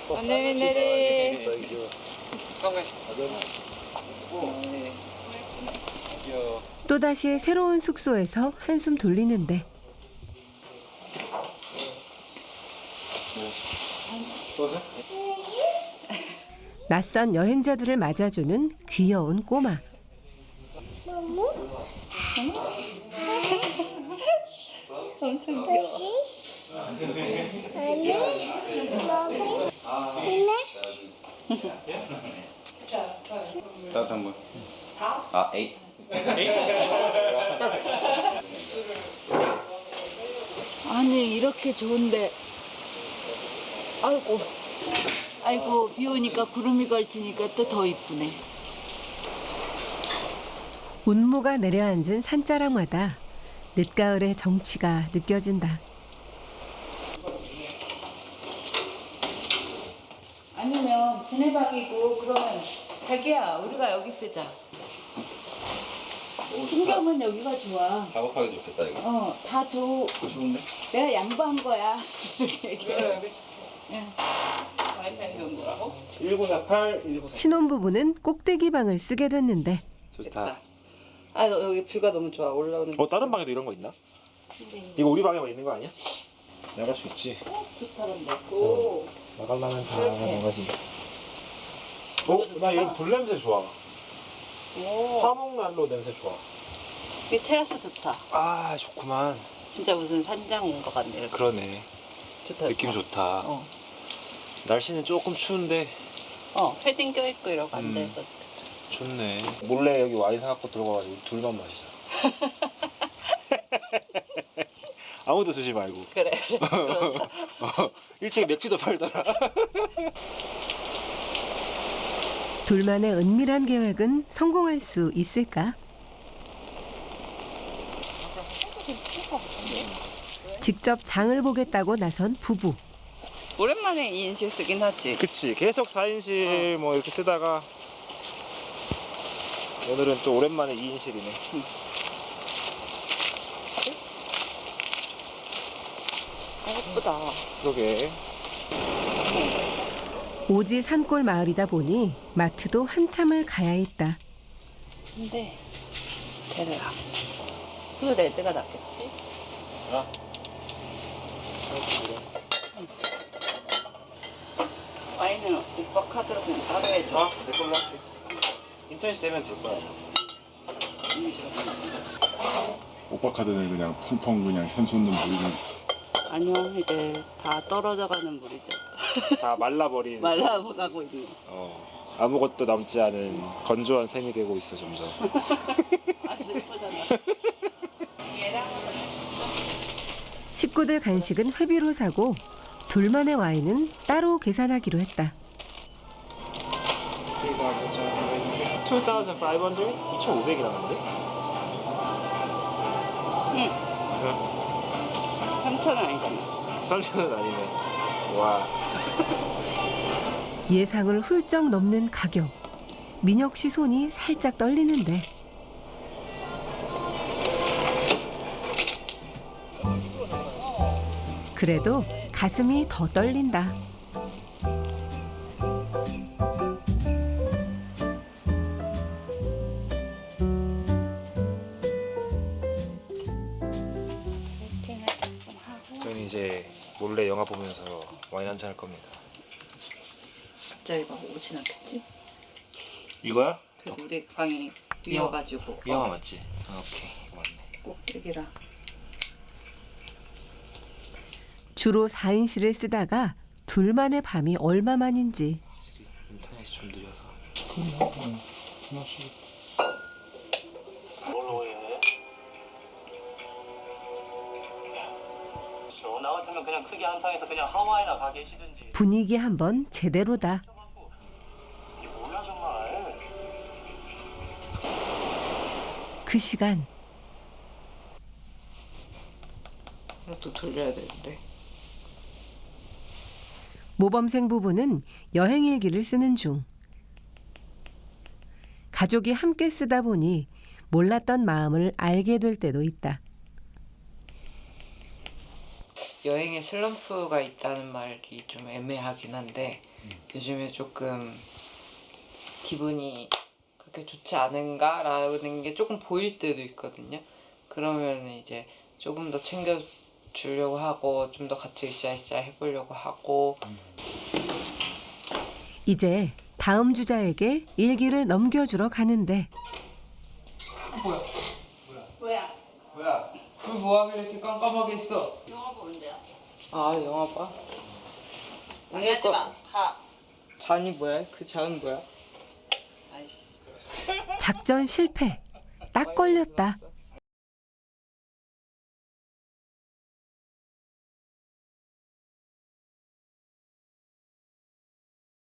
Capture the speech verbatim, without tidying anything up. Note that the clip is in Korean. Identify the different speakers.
Speaker 1: 언니 내리.
Speaker 2: 또다시 새로운 숙소에서 한숨 돌리는데 낯선 여행자들을 맞아주는 귀여운 꼬마.
Speaker 1: 엄청 귀여워.
Speaker 3: 따뜻한 물. 아, 에잇.
Speaker 1: 아니 이렇게 좋은데 아이고 아이고 비 오니까 구름이 걸치니까 또 더 이쁘네.
Speaker 2: 운무가 내려앉은 산자락마다 늦가을의 정취가 느껴진다.
Speaker 1: 아니면 지네박이고 그러면 자기야 우리가 여기 쓰자. 풍경은 여기가 좋아.
Speaker 3: 작업하기 좋겠다 이거.
Speaker 1: 어, 다 줘.
Speaker 3: 좋은데?
Speaker 1: 내가 양보한 거야. 이렇게 얘기해. 응. 와이파이 온 거라고?
Speaker 4: 일구사팔, 일구사.
Speaker 2: 신혼부부는 꼭대기 방을 쓰게 됐는데
Speaker 4: 좋다.
Speaker 1: 아, 너 여기 뷰가 너무 좋아. 올라오는.
Speaker 4: 어, 다른 방에도 이런 거 있나? 이거 우리 방에만 있는 거 아니야? 나갈 수 있지.
Speaker 1: 좋다는데. 오.
Speaker 4: 나가려면 다
Speaker 1: 그렇게.
Speaker 4: 나가지. 어? 나 이런 불 냄새 좋아.
Speaker 1: 오.
Speaker 4: 화목난로 냄새 좋아.
Speaker 1: 이 테라스 좋다.
Speaker 4: 아, 좋구만.
Speaker 1: 진짜 무슨 산장 온 것 같네. 이렇게.
Speaker 4: 그러네.
Speaker 1: 좋다.
Speaker 4: 느낌 좋다.
Speaker 1: 어.
Speaker 4: 날씨는 조금 추운데
Speaker 1: 어, 패딩 껴있고 이러고
Speaker 4: 음.
Speaker 1: 앉아있어.
Speaker 4: 좋네. 몰래 여기 와인 사갖고 들어가가지고 둘만 마시자. 아무도 드지 말고.
Speaker 1: 그래, 그래. 그러자.
Speaker 4: 어, 일찍 맥주도 팔더라.
Speaker 2: 둘만의 은밀한 계획은 성공할 수 있을까? 직접 장을 보겠다고 나선 부부.
Speaker 1: 오랜만에 이인실 쓰긴 하지.
Speaker 4: 그치. 계속 사 인실 뭐 이렇게 쓰다가 오늘은 또 오랜만에 이 인실이네.
Speaker 1: 아, 예쁘다.
Speaker 4: 그러게.
Speaker 2: 오지 산골 마을이다 보니 마트도 한참을 가야 했다.
Speaker 1: 근데 데려라. 그 레드가 낫겠지?
Speaker 4: 아.
Speaker 1: 와인은 오빠 카드로 그냥 따로 해줘.
Speaker 4: 아, 내 걸로 할게. 인터넷 되면 될 거야.
Speaker 5: 오빠 카드는 그냥 펑펑 그냥 선 솟는 물이는
Speaker 1: 아니요, 이제 다 떨어져가는 물이죠.
Speaker 4: 다 말라버린.
Speaker 1: 말라가고 있는.
Speaker 4: 어, 아무것도 남지 않은 건조한 샘이 되고 있어 점점.
Speaker 1: 아, 슬프잖아.
Speaker 2: 식구들 간식은 회비로 사고 둘만의 와인은 따로 계산하기로 했다.
Speaker 4: 이천오백? 이천오백이 나는데?
Speaker 1: 응.
Speaker 4: 응.
Speaker 1: 삼천 원 아니잖아.
Speaker 4: 삼천 원 아니네. 와.
Speaker 2: 예상을 훌쩍 넘는 가격. 민혁 씨 손이 살짝 떨리는데 그래도 가슴이 더 떨린다.
Speaker 4: 저는 이제 몰래 영화 보면서 와인 한잔 할 겁니다.
Speaker 1: 갑자기 막 오진 않겠지?
Speaker 4: 이거야?
Speaker 1: 그래도 우리 방이 비어가지고.
Speaker 4: 이 영화 맞지? 아, 오케이. 이거 맞네.
Speaker 1: 꼭 여기라.
Speaker 2: 주로 사 인실을 쓰다가 둘만의 밤이 얼마만인지
Speaker 4: 확실히 인터넷이 좀 느려서. 응. 하나씩.
Speaker 6: 나 같으면 그냥 크게 한탕에서 그냥 하와이나 가 계시든지.
Speaker 2: 분위기 한번 제대로다.
Speaker 6: 이게 뭐야 정말.
Speaker 2: 그 시간
Speaker 1: 이것도 돌려야 되는데.
Speaker 2: 모범생 부부는 여행 일기를 쓰는 중. 가족이 함께 쓰다 보니 몰랐던 마음을 알게 될 때도 있다.
Speaker 7: 여행에 슬럼프가 있다는 말이 좀 애매하긴 한데 요즘에 조금 기분이 그렇게 좋지 않은가라는 게 조금 보일 때도 있거든요. 그러면 이제 조금 더 챙겨주려고 하고 좀 더 같이 으쌰으쌰 해보려고 하고.
Speaker 2: 이제 다음 주자에게 일기를 넘겨주러 가는데
Speaker 7: 뭐야?
Speaker 1: 뭐야?
Speaker 7: 뭐야? 불 뭐하길래 이렇게 깜깜하게 있어?
Speaker 1: 영화 보는데요?
Speaker 7: 아 영화 봐?
Speaker 1: 방해하지 마. 가.
Speaker 7: 잔이 뭐야? 그 잔은 뭐야?
Speaker 1: 아이씨.
Speaker 2: 작전 실패. 딱 걸렸다.